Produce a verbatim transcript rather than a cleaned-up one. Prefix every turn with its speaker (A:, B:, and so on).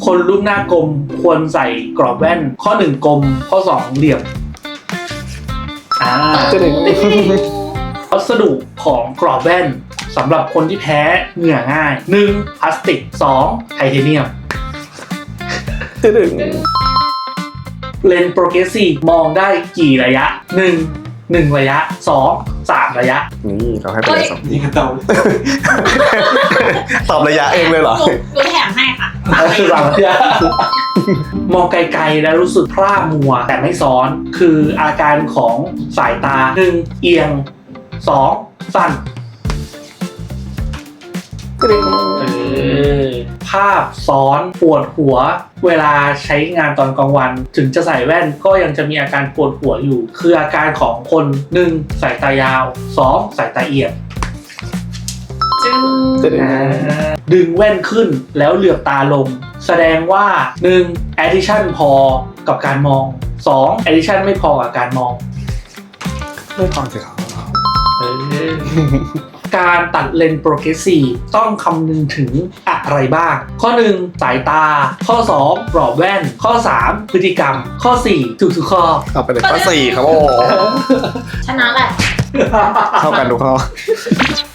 A: คนรูปหน้ากลมควรใส่กรอบแว่นข้อหนึ่งกลมข้อสองเหลี่ยมอ่า
B: จะถึง
A: วัสดุของกรอบแว่นสำหรับคนที่แพ้เหงื่อง่ายหนึ่งพลาสติกสองไทเทเนียม
B: จะถึง
A: เลนส์โปรเกรสซีฟมองได้กี่ระยะหนึ่ง หนึ่งระยะสอง สามระยะ
B: นี่เราให้ไปเลยสอง
C: นี่ก็ตอบ
B: ตอบระยะเองเลยเหรอ
D: หนูหนูแถมให้ค่ะ
A: คือสามระยะ มองไกลๆแล้วรู้สึกพร่ามัวแต่ไม่ซ้อนคืออาการของสายตาหนึ่งเอียงสองสั้น
B: จะถึง
A: เออภาพซ้อนปวดหัวเวลาใช้งานตอนกลางวัน ถึงจะใส่แว่นก็ยังจะมีอาการปวดหัวอยู่ คืออาการของคนหนึ่งสายตายาวสองสายตาเอียง
D: จึง
B: จะถึง
A: ดึงแว่นขึ้นแล้วเหลือบตาลง แสดงว่าหนึ่ง addition พอกับการมองสอง addition ไม่พอกับการมอง
B: ไม่พอสิครับ
A: เออการตัดเลนส์โปรเกรสซีฟต้องคำนึงถึงอะไรบ้าง ข้อหนึ่งสายตา ข้อสองกรอบแว่น ข้อสามพฤติกรรม ข้อสี่ทุกทุกๆข้อ
B: เอาไปเลยข้อสี่ครับโอ้
D: ชนะแหละ
B: เท่ากันทุกข้อ